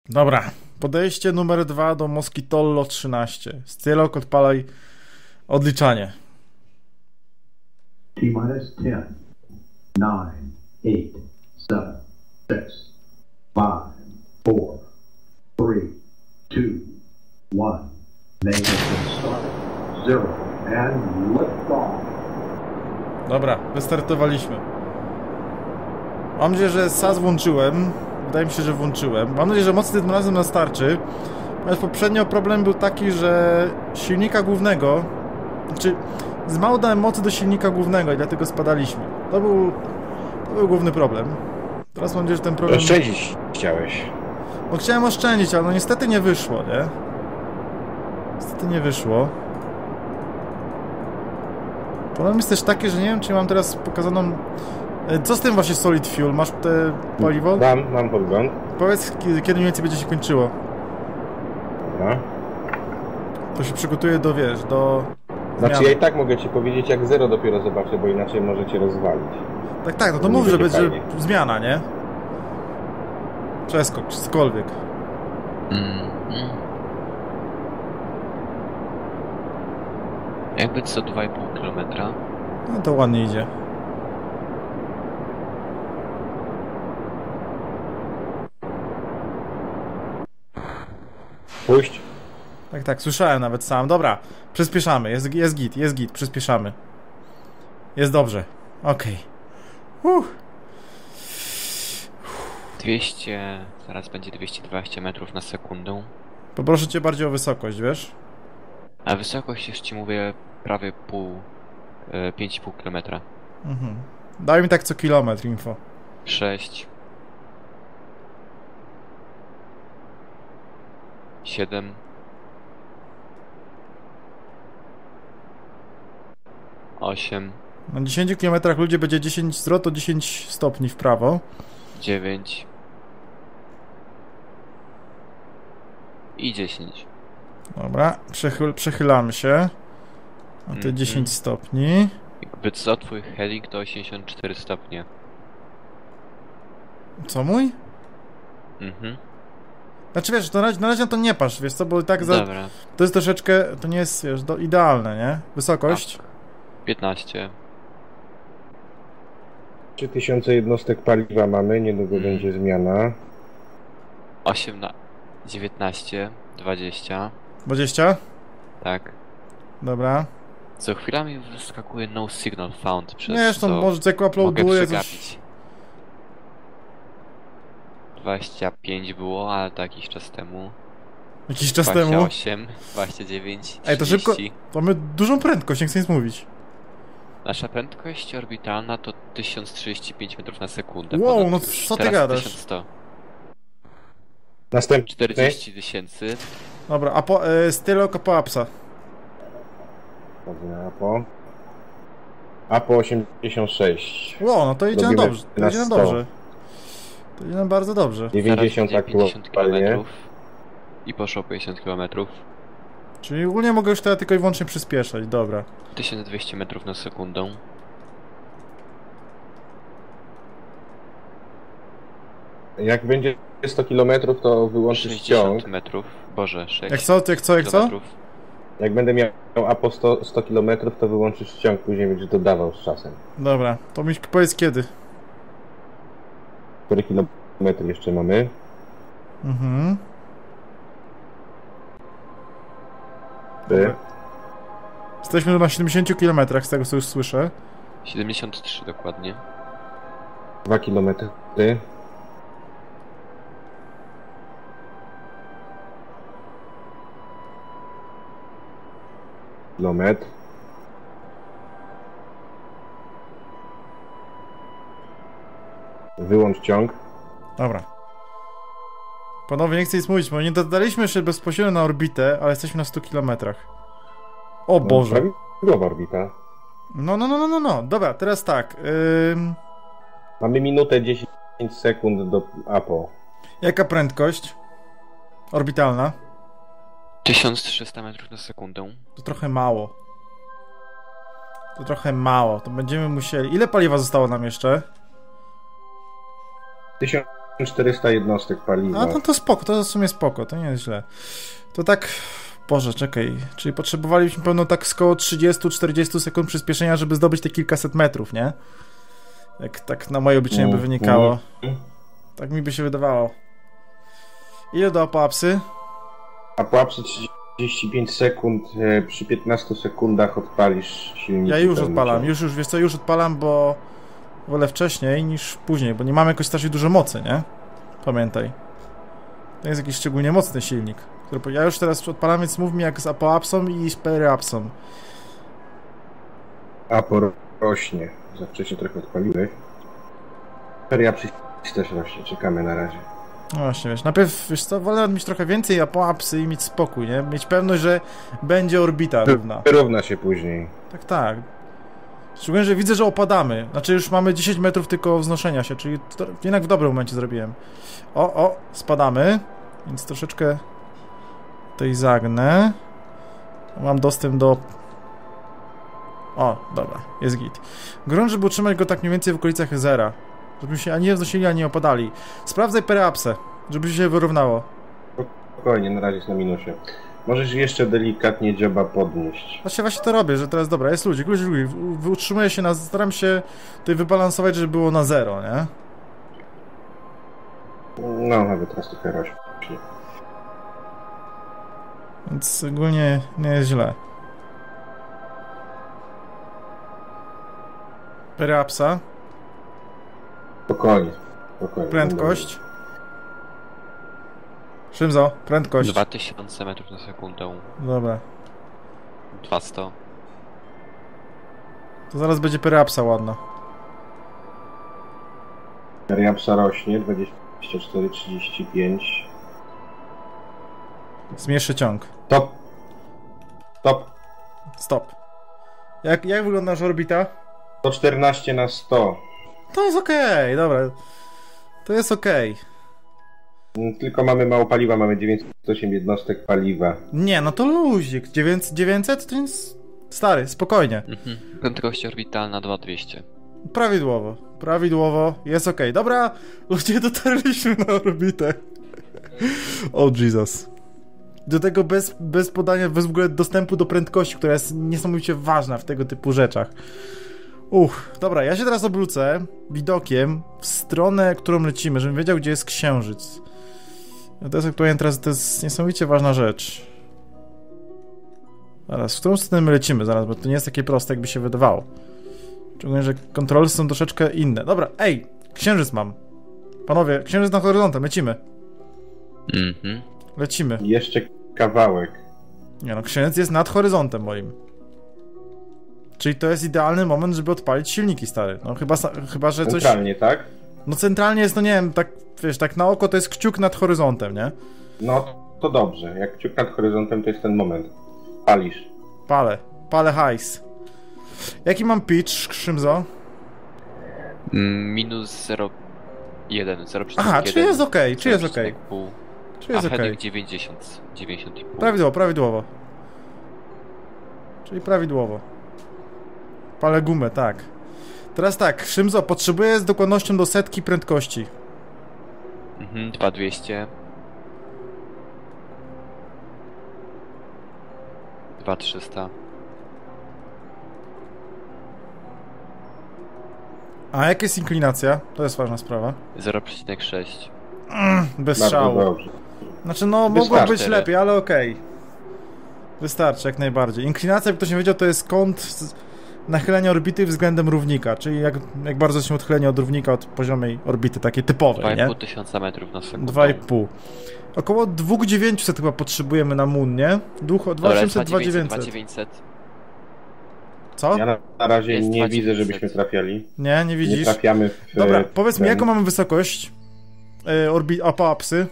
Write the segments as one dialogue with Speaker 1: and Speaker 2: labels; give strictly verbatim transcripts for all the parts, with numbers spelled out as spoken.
Speaker 1: Dobra, podejście numer dwa do Moskitollo trzynaście. Stylok, odpalaj odliczanie.
Speaker 2: T-minus ten, nine, eight, seven, six, five, four, three, two, one. Ignition start. Zero and lift off. Dobra, wystartowaliśmy. Mam nadzieję, że S A S włączyłem. Wydaje mi się, że włączyłem. Mam nadzieję, że mocy tym razem nas starczy. Natomiast poprzednio problem był taki, że silnika głównego... Znaczy, z mało dałem mocy do silnika głównego i dlatego spadaliśmy. To był... To był główny problem. Teraz mam nadzieję, że ten problem...
Speaker 3: Oszczędzić chciałeś.
Speaker 1: No chciałem oszczędzić, ale no niestety nie wyszło, nie? Niestety nie wyszło. Problem jest też taki, że nie wiem, czy mam teraz pokazaną... Co z tym właśnie Solid Fuel? Masz te paliwo?
Speaker 3: Mam, mam podgląd.
Speaker 1: Powiedz, kiedy mniej więcej będzie się kończyło.
Speaker 3: Dobra.
Speaker 1: To się przygotuje do, wiesz, do...
Speaker 3: Znaczy
Speaker 1: zmiany.
Speaker 3: ja i tak mogę ci powiedzieć, jak zero dopiero zobaczę, bo inaczej może cię rozwalić.
Speaker 1: Tak, tak, no to
Speaker 3: Nie
Speaker 1: mów, że
Speaker 3: będzie
Speaker 1: będzie
Speaker 3: fajnie.
Speaker 1: zmiana, nie? Przeskok, czy cokolwiek.
Speaker 4: Mm, mm. Jakby co dwa i pół kilometra.
Speaker 1: No to ładnie idzie.
Speaker 3: Puść.
Speaker 1: Tak, tak, słyszałem nawet sam. Dobra, przyspieszamy, jest, jest git, jest git, przyspieszamy. Jest dobrze, okej. Okay.
Speaker 4: dwieście, zaraz będzie dwieście dwadzieścia metrów na sekundę.
Speaker 1: Poproszę cię bardziej o wysokość, wiesz?
Speaker 4: A wysokość już ci mówię prawie pół, e, pięć i pół kilometra.
Speaker 1: Mhm. Daj mi tak co kilometr info.
Speaker 4: sześć. siedem. osiem.
Speaker 1: Na dziesięciu kilometrach ludzie będzie dziesięć zwrot, to dziesięć stopni w prawo.
Speaker 4: dziewięć. I dziesięć.
Speaker 1: Dobra, przechyl, przechylamy się. A te
Speaker 4: Mhm.
Speaker 1: dziesięć stopni.
Speaker 4: Jakby co, twój helik to osiemdziesiąt cztery stopnie.
Speaker 1: Co mój?
Speaker 4: Mhm.
Speaker 1: Znaczy wiesz, na razie, na razie na to nie patrz, wiesz co, bo i tak za,
Speaker 4: Dobra.
Speaker 1: to jest troszeczkę, to nie jest, wiesz, do, idealne, nie? Wysokość?
Speaker 4: Tak. piętnaście.
Speaker 3: trzy tysiące jednostek paliwa mamy, niedługo
Speaker 4: Mm.
Speaker 3: będzie zmiana.
Speaker 4: osiemnaście. dziewiętnaście. dwadzieścia.
Speaker 1: dwadzieścia?
Speaker 4: Tak.
Speaker 1: Dobra.
Speaker 4: Co chwila mi wyskakuje no signal found, przez
Speaker 1: Nie, zresztą
Speaker 4: co
Speaker 1: może jak
Speaker 4: mogę
Speaker 1: uploaduję coś...
Speaker 4: przegapić. dwadzieścia pięć było, ale to jakiś czas temu.
Speaker 1: Jakiś czas
Speaker 4: dwadzieścia
Speaker 1: temu.
Speaker 4: osiem, dwadzieścia dziewięć,
Speaker 1: Ej, to szybko...
Speaker 4: trzydzieści.
Speaker 1: To mamy dużą prędkość, nie chcę nic mówić.
Speaker 4: Nasza prędkość orbitalna to tysiąc trzydzieści pięć metrów na sekundę.
Speaker 1: Wow,
Speaker 4: Ponad
Speaker 1: no
Speaker 4: już.
Speaker 1: co ty
Speaker 4: Teraz
Speaker 1: gadasz?
Speaker 4: tysiąc sto.
Speaker 3: Następny.
Speaker 4: czterdzieści tysięcy.
Speaker 1: Dobra, a po... E, Stylok Apoapsa.
Speaker 3: Dobra, Apo. Apo osiemdziesiąt sześć.
Speaker 1: Wow, no to idzie nam
Speaker 3: Robimy
Speaker 1: dobrze, to
Speaker 3: na
Speaker 1: idzie nam
Speaker 3: sto.
Speaker 1: dobrze. To idzie nam bardzo dobrze.
Speaker 3: dziewięćdziesiąt
Speaker 4: Zaraz będzie pięćdziesiąt
Speaker 3: aktualnie.
Speaker 4: kilometrów. I poszło pięćdziesiąt kilometrów.
Speaker 1: Czyli ogólnie mogę już teraz tylko i wyłącznie przyspieszać, dobra.
Speaker 4: tysiąc dwieście metrów na sekundę.
Speaker 3: Jak będzie sto kilometrów, to wyłączysz ciąg.
Speaker 4: sześćdziesiąt metrów. Boże, sześć
Speaker 1: Jak co, jak co, jak co?
Speaker 4: kilometrów.
Speaker 3: Jak będę miał Apo sto, sto kilometrów, to wyłączysz ciąg, później będziesz dodawał z czasem.
Speaker 1: Dobra, to mi powiedz kiedy.
Speaker 3: Który kilometr jeszcze mamy?
Speaker 1: Mhm.
Speaker 3: Ty?
Speaker 1: Jesteśmy na siedemdziesięciu kilometrach, z tego co już słyszę.
Speaker 4: siedemdziesiąt trzy dokładnie.
Speaker 3: Dwa kilometry. Kilometr. Wyłącz ciąg.
Speaker 1: Dobra. Panowie, nie chcę nic mówić, bo nie dodaliśmy się bezpośrednio na orbitę, ale jesteśmy na stu kilometrach. O Boże.
Speaker 3: No, prawidłowa orbita.
Speaker 1: No, no, no, no, no, no. Dobra, teraz tak. Ym...
Speaker 3: Mamy minutę dziesięć sekund do Apo.
Speaker 1: Jaka prędkość? Orbitalna?
Speaker 4: tysiąc trzysta metrów na sekundę.
Speaker 1: To trochę mało. To trochę mało. To będziemy musieli... Ile paliwa zostało nam jeszcze?
Speaker 3: tysiąc czterysta jednostek paliwa.
Speaker 1: A no to spoko, to w sumie spoko, to nie jest źle. To tak... Boże, czekaj, czyli potrzebowalibyśmy pewno tak około trzydzieści czterdzieści sekund przyspieszenia, żeby zdobyć te kilkaset metrów, nie? Jak tak na moje obliczenie by wynikało. Tak mi by się wydawało. Ile do apoapsy?
Speaker 3: Apoapsy trzydzieści pięć sekund, e, przy piętnastu sekundach odpalisz silnik.
Speaker 1: Ja już odpalam, już, już, wiesz co, już odpalam, bo wolę wcześniej niż później, bo nie mamy jakoś strasznie dużo mocy, nie? Pamiętaj. To jest jakiś szczególnie mocny silnik. Który... Ja już teraz odpalam, więc mów mi jak z apoapsą i z periapsą.
Speaker 3: Apo rośnie. Za wcześnie trochę odpaliłeś. Periapsy też rośnie, czekamy na razie.
Speaker 1: No właśnie, wiesz, najpierw, wiesz co, wolę mieć trochę więcej apoapsy i mieć spokój, nie? Mieć pewność, że będzie orbita równa.
Speaker 3: Wyrówna się później.
Speaker 1: Tak, tak. Szczególnie, że widzę, że opadamy. Znaczy już mamy dziesięć metrów tylko wznoszenia się, czyli to jednak w dobrym momencie zrobiłem. O, o, spadamy. Więc troszeczkę tutaj zagnę. Mam dostęp do... O, dobra, jest git. Grunt, żeby utrzymać go tak mniej więcej w okolicach zera. Żebyśmy się ani nie wznosili, ani nie opadali. Sprawdzaj periapsę, żeby się wyrównało.
Speaker 3: Spokojnie, na razie jest na minusie. Możesz jeszcze delikatnie dzioba podnieść.
Speaker 1: Właśnie, właśnie to robię, że teraz dobra, jest ludzik, ludzik, ludzik. Utrzymuję się na... Staram się tutaj wybalansować, żeby było na zero, nie?
Speaker 3: No, nawet teraz trochę rośnie.
Speaker 1: Więc ogólnie nie jest źle. Periapsa.
Speaker 3: Spokojnie, spokojnie.
Speaker 1: Prędkość. Szymzo, prędkość.
Speaker 4: dwa tysiące metrów na sekundę.
Speaker 1: Dobra.
Speaker 4: dwieście.
Speaker 1: To zaraz będzie periapsa ładna.
Speaker 3: Periapsa rośnie, dwadzieścia cztery trzydzieści pięć.
Speaker 1: Zmierzszy ciąg.
Speaker 3: Stop. Stop.
Speaker 1: Stop. Jak, jak wygląda nasza orbita?
Speaker 3: sto czternaście na sto.
Speaker 1: To jest okej, okay, dobra. To jest okej. Okay.
Speaker 3: Tylko mamy mało paliwa, mamy dziewięćset osiem jednostek paliwa.
Speaker 1: Nie, no to luzik. dziewięćset to jest stary, spokojnie.
Speaker 4: Mhm. Prędkość orbitalna dwa tysiące dwieście.
Speaker 1: Prawidłowo, prawidłowo, jest okej. Okay. Dobra, ludzie, dotarliśmy na orbitę. O oh, Jesus. Do tego bez, bez podania, bez w ogóle dostępu do prędkości, która jest niesamowicie ważna w tego typu rzeczach. Uch, dobra, ja się teraz obrócę widokiem w stronę, którą lecimy, żebym wiedział, gdzie jest księżyc. To jest aktualnie teraz, to jest niesamowicie ważna rzecz. Zaraz, w którą stronę my lecimy zaraz, bo to nie jest takie proste, jakby się wydawało. Szczególnie, że kontrole są troszeczkę inne. Dobra, ej, księżyc mam. Panowie, księżyc nad horyzontem, lecimy.
Speaker 4: Mhm.
Speaker 1: Lecimy.
Speaker 3: Jeszcze kawałek.
Speaker 1: Nie no, księżyc jest nad horyzontem moim. Czyli to jest idealny moment, żeby odpalić silniki, stary. No chyba, chyba że coś...
Speaker 3: Centralnie, tak?
Speaker 1: No centralnie jest, no nie wiem, tak, wiesz, tak na oko to jest kciuk nad horyzontem, nie?
Speaker 3: No, to dobrze. Jak kciuk nad horyzontem, to jest ten moment. Palisz.
Speaker 1: Palę. Palę hajs. Jaki mam pitch, Szymzo?
Speaker 4: Minus zero przecinek jeden. zero przecinek jeden.
Speaker 1: Aha, czy jest okej, czy jest okej. Czy jest
Speaker 4: A
Speaker 1: okej.
Speaker 4: heading dziewięćdziesiąt, dziewięćdziesiąt i pół.
Speaker 1: Prawidłowo, prawidłowo. Czyli prawidłowo. Palę gumę, tak. Teraz tak, Szymzo, potrzebuję z dokładnością do setki prędkości.
Speaker 4: Mhm, dwa tysiące dwieście. dwa tysiące trzysta.
Speaker 1: A jaka jest inklinacja? To jest ważna sprawa.
Speaker 4: zero przecinek sześć.
Speaker 1: Mm, bez
Speaker 3: Bardzo
Speaker 1: strzału.
Speaker 3: dobrze.
Speaker 1: Znaczy, no,
Speaker 3: Wystarczy.
Speaker 1: mogło być lepiej, ale okej. Okay. Wystarczy, jak najbardziej. Inklinacja, jak ktoś nie wiedział, to jest kąt nachylenia orbity względem równika, czyli jak, jak bardzo się odchylenie od równika od poziomej orbity, takiej typowej, nie?
Speaker 4: dwa i pół tysiąca metrów na sekundę.
Speaker 1: dwa i pół. Około dwa tysiące dziewięćset chyba potrzebujemy na Moon, nie? dwa tysiące osiemset, dwa tysiące dziewięćset. Co?
Speaker 3: Ja na, na razie
Speaker 4: Jest
Speaker 3: nie
Speaker 4: dwa
Speaker 3: widzę,
Speaker 4: dziewięćset.
Speaker 3: żebyśmy trafiali.
Speaker 1: Nie, nie
Speaker 3: Nie
Speaker 1: widzisz?
Speaker 3: trafiamy w...
Speaker 1: Dobra, powiedz mi,
Speaker 3: ten-
Speaker 1: jaką mamy wysokość? Yy, orbi... apoapsy?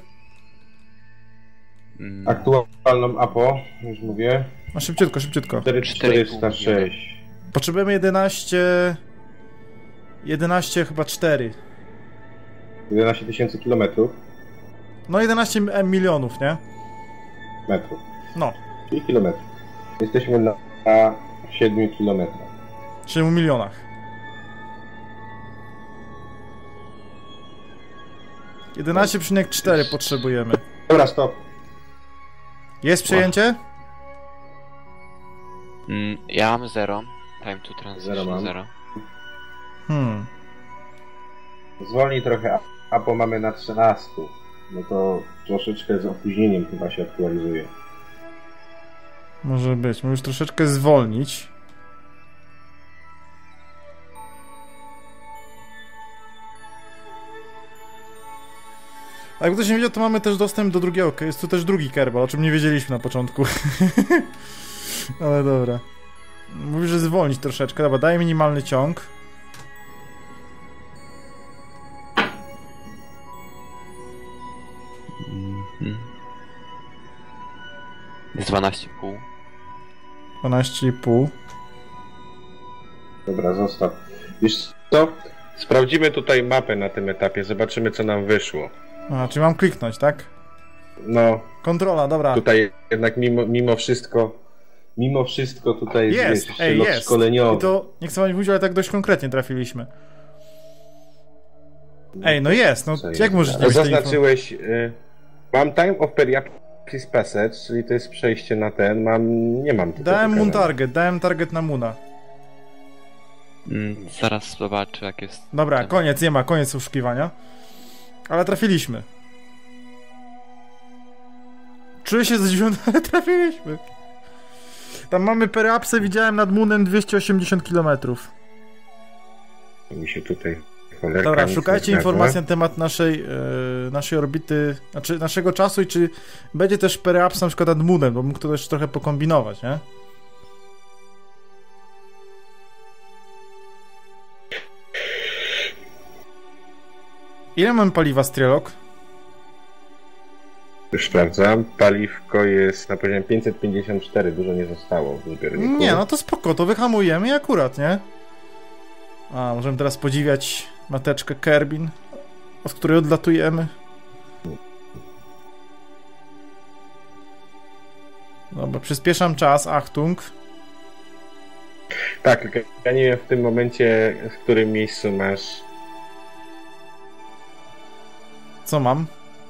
Speaker 4: Mm,
Speaker 3: Aktualną A P O, już mówię.
Speaker 1: No szybciutko, szybciutko.
Speaker 3: cztery tysiące czterysta sześć.
Speaker 1: Potrzebujemy jedenaście... jedenaście chyba cztery.
Speaker 3: jedenaście tysięcy kilometrów.
Speaker 1: No jedenaście milionów, nie?
Speaker 3: Metrów.
Speaker 1: No,
Speaker 3: Czyli kilometrów. Jesteśmy na, na siedmiu kilometrach.
Speaker 1: siedmiu milionach. jedenaście przecinek cztery potrzebujemy.
Speaker 3: Dobra, stop.
Speaker 1: Jest przejęcie?
Speaker 4: Mm, ja mam zero. Time to transition
Speaker 3: Zero mam.
Speaker 4: zero.
Speaker 1: Hmm.
Speaker 3: Zwolnij trochę, a bo mamy na trzynastu. No to troszeczkę z opóźnieniem chyba się aktualizuje.
Speaker 1: Może być. Możesz troszeczkę zwolnić. A jakby ktoś nie wiedział, to mamy też dostęp do drugiego. Jest tu też drugi kerbal, o czym nie wiedzieliśmy na początku. Ale dobra. Mówisz, że zwolnić troszeczkę. Dobra, daj minimalny ciąg.
Speaker 4: Mhm. Jest dwanaście i pół.
Speaker 1: dwanaście i pół.
Speaker 3: Dobra, zostaw. Wiesz co? Sprawdzimy tutaj mapę na tym etapie, zobaczymy co nam wyszło.
Speaker 1: A, czyli mam kliknąć, tak?
Speaker 3: No,
Speaker 1: Kontrola, dobra.
Speaker 3: tutaj jednak mimo, mimo wszystko, mimo wszystko tutaj
Speaker 1: Jest,
Speaker 3: wiesz,
Speaker 1: ej,
Speaker 3: lot
Speaker 1: jest.
Speaker 3: szkoleniowy.
Speaker 1: I to, nie chcę wam mówić, ale tak dość konkretnie trafiliśmy. Ej, no jest, no
Speaker 3: Co
Speaker 1: jak
Speaker 3: jest?
Speaker 1: możesz nie być tej info-
Speaker 3: Zaznaczyłeś, y, mam time of periapsis passage, czyli to jest przejście na ten, mam, nie mam tutaj
Speaker 1: Dałem Moon
Speaker 3: pokazane.
Speaker 1: target, dałem target na Moona.
Speaker 4: Mm, zaraz zobaczę jak jest.
Speaker 1: Dobra,
Speaker 4: ten-
Speaker 1: koniec, nie ma, koniec oszukiwania. Ale trafiliśmy. Czuję się zdziwiony, ale trafiliśmy. Tam mamy periapsę, widziałem nad Moonem dwieście osiemdziesiąt kilometrów.
Speaker 3: Mi się tutaj cholerka
Speaker 1: Dobra,
Speaker 3: nic
Speaker 1: szukajcie
Speaker 3: nie
Speaker 1: informacji
Speaker 3: zgadza.
Speaker 1: na temat naszej, yy, naszej orbity, znaczy naszego czasu i czy będzie też periapsa na przykład nad Moonem, bo mógł to też trochę pokombinować, nie? Ile mamy paliwa, Strelok?
Speaker 3: Już sprawdzam, paliwko jest na poziomie pięćset pięćdziesiąt cztery, dużo nie zostało w zbiorniku.
Speaker 1: Nie, no to spoko, to wyhamujemy i akurat, nie? A, możemy teraz podziwiać mateczkę Kerbin, od której odlatujemy. Dobra, przyspieszam czas, Achtung.
Speaker 3: Tak, tylko ja nie wiem w tym momencie, w którym miejscu masz...
Speaker 1: Co mam?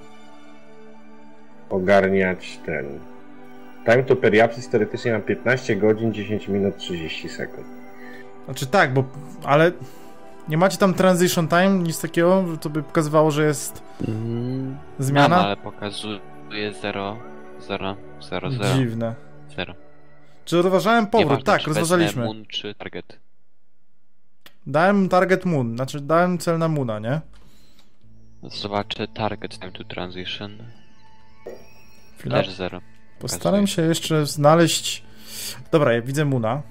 Speaker 3: ogarniać ten... Time to periapsis teoretycznie mam piętnaście godzin, dziesięć minut, trzydzieści sekund.
Speaker 1: Znaczy tak, bo... ale... Nie macie tam transition time, nic takiego, to by pokazywało, że jest
Speaker 4: Mm,
Speaker 1: zmiana?
Speaker 4: mam, ale pokazuje zero, zero, zero, zero,
Speaker 1: Dziwne.
Speaker 4: zero.
Speaker 1: Czy rozważałem powrót?
Speaker 4: Nieważne,
Speaker 1: Tak,
Speaker 4: czy wezmę
Speaker 1: rozważaliśmy.
Speaker 4: Moon czy target.
Speaker 1: Dałem target Moon, znaczy dałem cel na Moona, nie?
Speaker 4: Zobaczę target time to transition.
Speaker 1: Chwila.
Speaker 4: Też zero.
Speaker 1: Postaram się jeszcze znaleźć... Dobra, ja widzę Moona.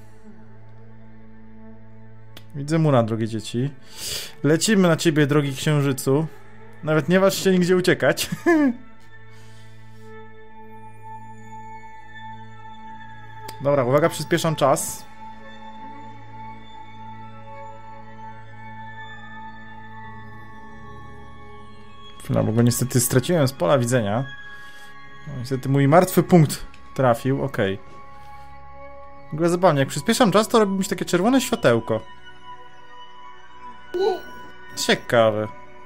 Speaker 1: Widzę Moona, drogie dzieci. Lecimy na ciebie, drogi księżycu. Nawet nie waż się nigdzie uciekać. Dobra, uwaga, przyspieszam czas. Chwila, bo go niestety straciłem z pola widzenia. No, niestety mój martwy punkt trafił, okej. Okay. W ogóle zabawnie, jak przyspieszam czas, to robi mi się takie czerwone światełko. Ciekawe.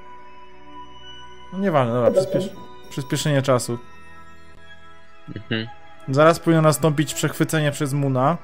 Speaker 1: No nieważne, dobra, przyspiesz... przyspieszenie czasu.
Speaker 4: Mhm.
Speaker 1: Zaraz powinno nastąpić przechwycenie przez Moona.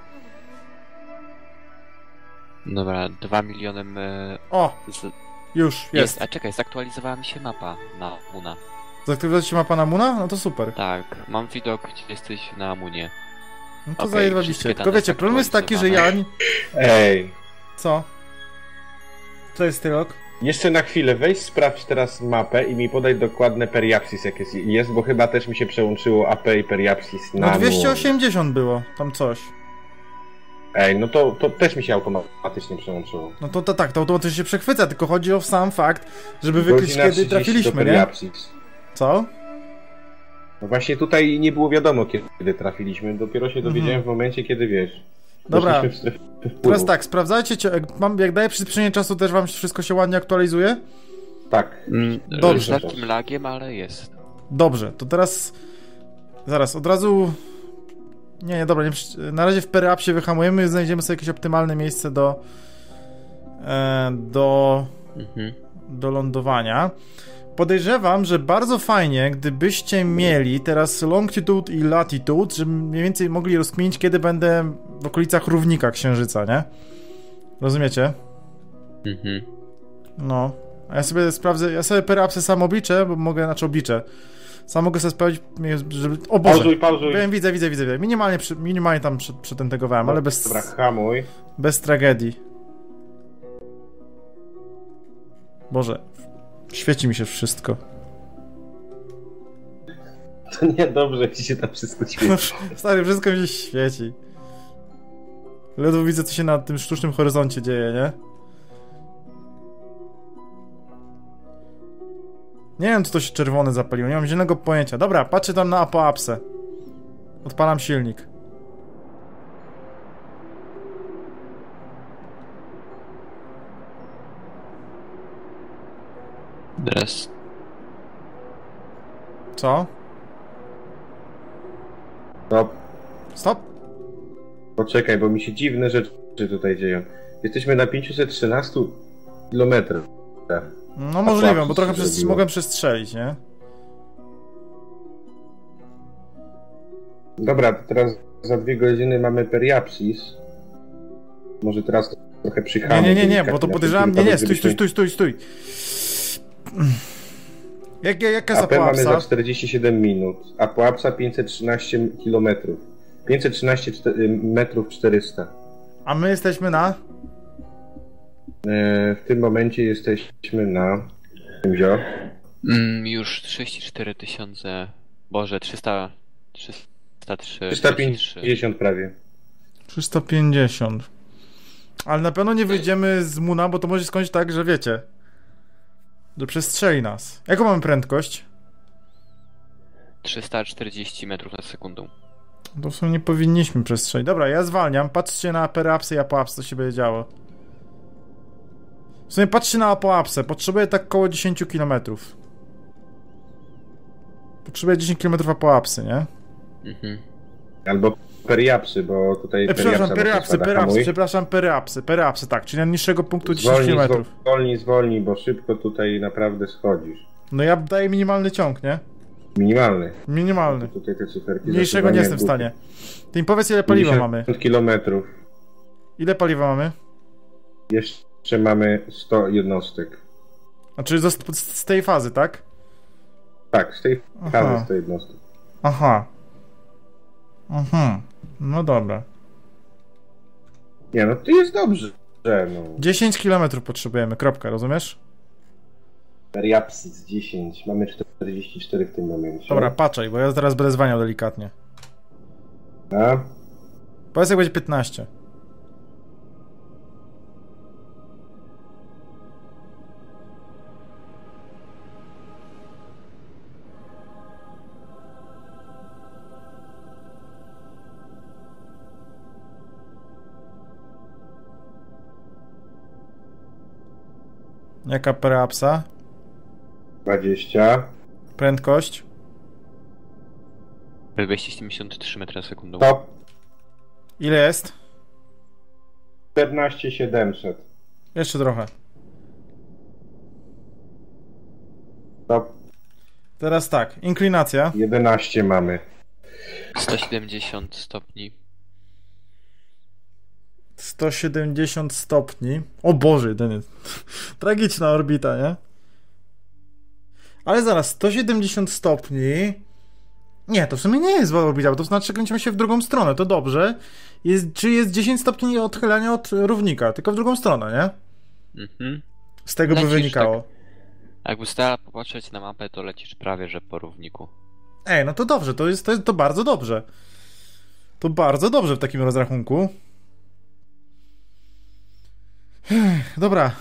Speaker 4: Dobra, dwa miliony... e,
Speaker 1: O!
Speaker 4: Z...
Speaker 1: Już, jest.
Speaker 4: Jest. A czekaj, zaktualizowała mi się mapa na Moona.
Speaker 1: Zaktywizować się mapa na Moona? No to super.
Speaker 4: Tak, mam widok, gdzie jesteś na Moonie.
Speaker 1: No to
Speaker 4: Okej,
Speaker 1: zajebawiście.
Speaker 4: wszystkie
Speaker 1: Tylko
Speaker 4: dane
Speaker 1: wiecie, problem jest taki, że ja... nie-
Speaker 3: Ej,
Speaker 1: Co? Co jest Tyrok?
Speaker 3: jeszcze na chwilę, weź sprawdź teraz mapę i mi podaj dokładne periapsis jakie jest, bo chyba też mi się przełączyło A P i periapsis na...
Speaker 1: No dwieście osiemdziesiąt było, tam coś.
Speaker 3: Ej, no to, to też mi się automatycznie przełączyło.
Speaker 1: No to, to tak, to automatycznie się przechwyca, tylko chodzi o sam fakt, żeby wykryć,
Speaker 3: Godzina
Speaker 1: kiedy
Speaker 3: trzydzieści do
Speaker 1: trafiliśmy, nie?
Speaker 3: periapsis.
Speaker 1: Co?
Speaker 3: No właśnie tutaj nie było wiadomo, kiedy trafiliśmy, dopiero się dowiedziałem
Speaker 1: Mhm.
Speaker 3: w momencie, kiedy wiesz...
Speaker 1: Dobra.
Speaker 3: weszliśmy w strefę wpływu.
Speaker 1: Teraz tak, sprawdzajcie, cie- jak, mam, jak daję przyspieszenie czasu, też wam wszystko się ładnie aktualizuje?
Speaker 3: Tak.
Speaker 4: Mm,
Speaker 1: Dobrze.
Speaker 4: Z lekkim lagiem, ale jest.
Speaker 1: Dobrze, to teraz... Zaraz, od razu... Nie, nie, dobra, nie, przy- na razie w periapsie wyhamujemy, znajdziemy sobie jakieś optymalne miejsce do... E, do...
Speaker 4: Mhm.
Speaker 1: do lądowania. podejrzewam, że bardzo fajnie, gdybyście mieli teraz longitude i latitude, żeby mniej więcej mogli rozkminić, kiedy będę w okolicach równika Księżyca, nie? Rozumiecie?
Speaker 4: Mhm.
Speaker 1: No. A ja sobie sprawdzę, ja sobie perapsy sam obliczę, bo mogę, znaczy obliczę. Sam mogę sobie sprawdzić, żeby... O Boże!
Speaker 3: Pauzuj, pauzuj.
Speaker 1: Wiem, widzę, widzę, widzę. Minimalnie, przy, minimalnie tam przy, przytentegowałem, ale bez...
Speaker 3: Dobra, hamuj.
Speaker 1: Bez tragedii. Boże. Świeci mi się wszystko.
Speaker 3: To niedobrze, jak ci się tam wszystko świeci.
Speaker 1: Stary, wszystko mi się świeci. Ledwo widzę, co się na tym sztucznym horyzoncie dzieje, nie? Nie wiem, co to się czerwone zapaliło, nie mam zielonego pojęcia. Dobra, patrzę tam na apoapsę. Odpalam silnik.
Speaker 4: Teraz.
Speaker 1: Co?
Speaker 3: Stop.
Speaker 1: Stop.
Speaker 3: Poczekaj, bo mi się dziwne rzeczy tutaj dzieją. Jesteśmy na pięćset trzynaście kilometrów.
Speaker 1: No możliwe, bo trochę przez, mogłem przestrzelić, nie?
Speaker 3: Dobra, to teraz za dwie godziny mamy periapsis. Może teraz trochę przyhamuj.
Speaker 1: Nie, nie, nie, nie, bo to podejrzewam... Nie, nie, stój, stój, stój, stój, stój. Jak, jaka jest
Speaker 3: A P mamy
Speaker 1: apoapsa?
Speaker 3: za czterdzieści siedem minut. Apoapsa pięćset trzynaście kilometrów. pięćset trzynaście metrów czterysta.
Speaker 1: A my jesteśmy na...
Speaker 3: E, w tym momencie jesteśmy na... Wziął.
Speaker 4: Mm, już trzydzieści cztery tysiące. Boże, trzysta. trzysta trzy.
Speaker 3: trzysta pięćdziesiąt prawie.
Speaker 1: trzysta pięćdziesiąt. Ale na pewno nie wyjdziemy z Muna, bo to może się skończyć tak, że wiecie... Że przestrzeli nas. Jaką mamy prędkość?
Speaker 4: trzysta czterdzieści metrów na sekundę.
Speaker 1: To w sumie nie powinniśmy przestrzelić. Dobra, ja zwalniam. Patrzcie na perapsy i apoapsy, co się będzie działo. W sumie patrzcie na apoapsę. Potrzebuję tak około dziesięć kilometrów. Potrzebuję dziesięć kilometrów apoapsy, nie?
Speaker 4: Mhm.
Speaker 3: Albo periapsy, bo tutaj...
Speaker 1: E, przepraszam,
Speaker 3: periapsa
Speaker 1: periapsy,
Speaker 3: spada,
Speaker 1: periapsy,
Speaker 3: hamuj.
Speaker 1: przepraszam, periapsy, periapsy, tak, czyli na niższego punktu dziesięć
Speaker 3: Zwolnij,
Speaker 1: kilometrów.
Speaker 3: zwolnij, zwolnij, bo szybko tutaj naprawdę schodzisz.
Speaker 1: No ja daję minimalny ciąg, nie?
Speaker 3: Minimalny.
Speaker 1: Minimalny.
Speaker 3: Tutaj te cyferki
Speaker 1: Mniejszego nie jestem w stanie. Ty mi powiedz, ile paliwa mamy.
Speaker 3: pięćdziesiąt kilometrów.
Speaker 1: Ile paliwa mamy?
Speaker 3: Jeszcze mamy sto jednostek.
Speaker 1: Znaczy z, z tej fazy, tak?
Speaker 3: Tak, z tej
Speaker 1: Aha.
Speaker 3: fazy sto jednostek.
Speaker 1: Aha. Mhm. No dobra.
Speaker 3: Nie no, to jest dobrze. No.
Speaker 1: dziesięć kilometrów potrzebujemy, kropka, rozumiesz?
Speaker 3: Periapsys dziesięć, mamy czterdzieści cztery w tym momencie.
Speaker 1: Dobra, patrzaj, bo ja zaraz będę zwalniał delikatnie.
Speaker 3: A?
Speaker 1: Powiedz, jak będzie piętnaście. Jaka periapsa?
Speaker 3: dwadzieścia.
Speaker 1: Prędkość?
Speaker 4: dwieście siedemdziesiąt trzy metry na sekundę.
Speaker 3: Top.
Speaker 1: Ile jest?
Speaker 3: czternaście siedemset.
Speaker 1: Jeszcze trochę.
Speaker 3: Top.
Speaker 1: Teraz tak, inklinacja.
Speaker 3: jedenaście mamy.
Speaker 4: sto siedemdziesiąt stopni.
Speaker 1: sto siedemdziesiąt stopni. O Boże, ten jest... Tragiczna orbita, nie? Ale zaraz, sto siedemdziesiąt stopni... Nie, to w sumie nie jest zła orbita, bo to znaczy, że kręcimy się w drugą stronę, to dobrze. Jest, czy jest dziesięć stopni odchylania od równika, tylko w drugą stronę, nie?
Speaker 4: Mhm.
Speaker 1: Z tego by
Speaker 4: Lecisz
Speaker 1: wynikało.
Speaker 4: tak. Jakby stała popatrzeć na mapę, to lecisz prawie, że po równiku.
Speaker 1: Ej, no to dobrze, to jest, to jest to bardzo dobrze. To bardzo dobrze w takim rozrachunku. Ech, dobra.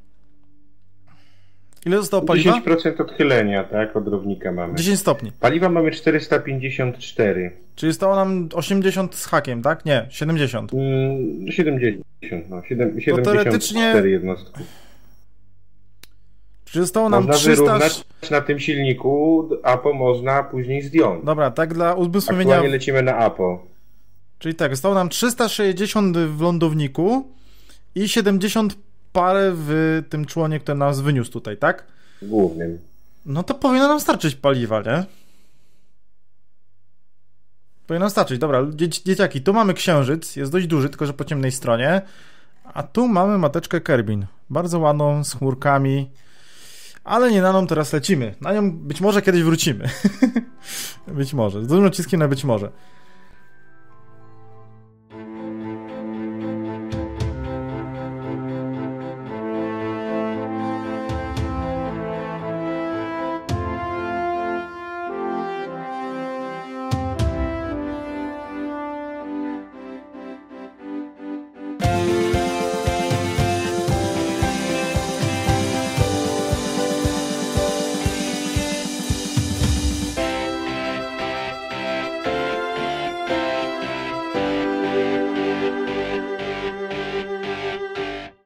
Speaker 1: Ile zostało paliwa?
Speaker 3: dziesięć procent odchylenia, tak? Od równika mamy.
Speaker 1: dziesięć stopni.
Speaker 3: Paliwa mamy czterysta pięćdziesiąt cztery.
Speaker 1: Czyli zostało nam osiemdziesiąt z hakiem, tak? Nie, siedemdziesiąt.
Speaker 3: Mm, siedemdziesiąt, no. siedem, siedemdziesiąt
Speaker 1: teoretycznie-
Speaker 3: cztery jednostki.
Speaker 1: Czyli zostało nam
Speaker 3: Można
Speaker 1: trzysta...
Speaker 3: wyrównać na tym silniku, APO można później zdjąć.
Speaker 1: Dobra, tak dla uzmysłowienia...
Speaker 3: Aktualnie lecimy na APO.
Speaker 1: Czyli tak, zostało nam trzysta sześćdziesiąt w lądowniku i siedemdziesiąt parę w tym członie, który nas wyniósł tutaj, tak?
Speaker 3: Głównym.
Speaker 1: No to powinno nam starczyć paliwa, nie? Powinno starczyć. Dobra, dzieci, dzieciaki, tu mamy księżyc, jest dość duży, tylko że po ciemnej stronie. A tu mamy mateczkę Kerbin. Bardzo ładną, z chmurkami. Ale nie na nią teraz lecimy. Na nią być może kiedyś wrócimy. Być może. Z dużym naciskiem na być może.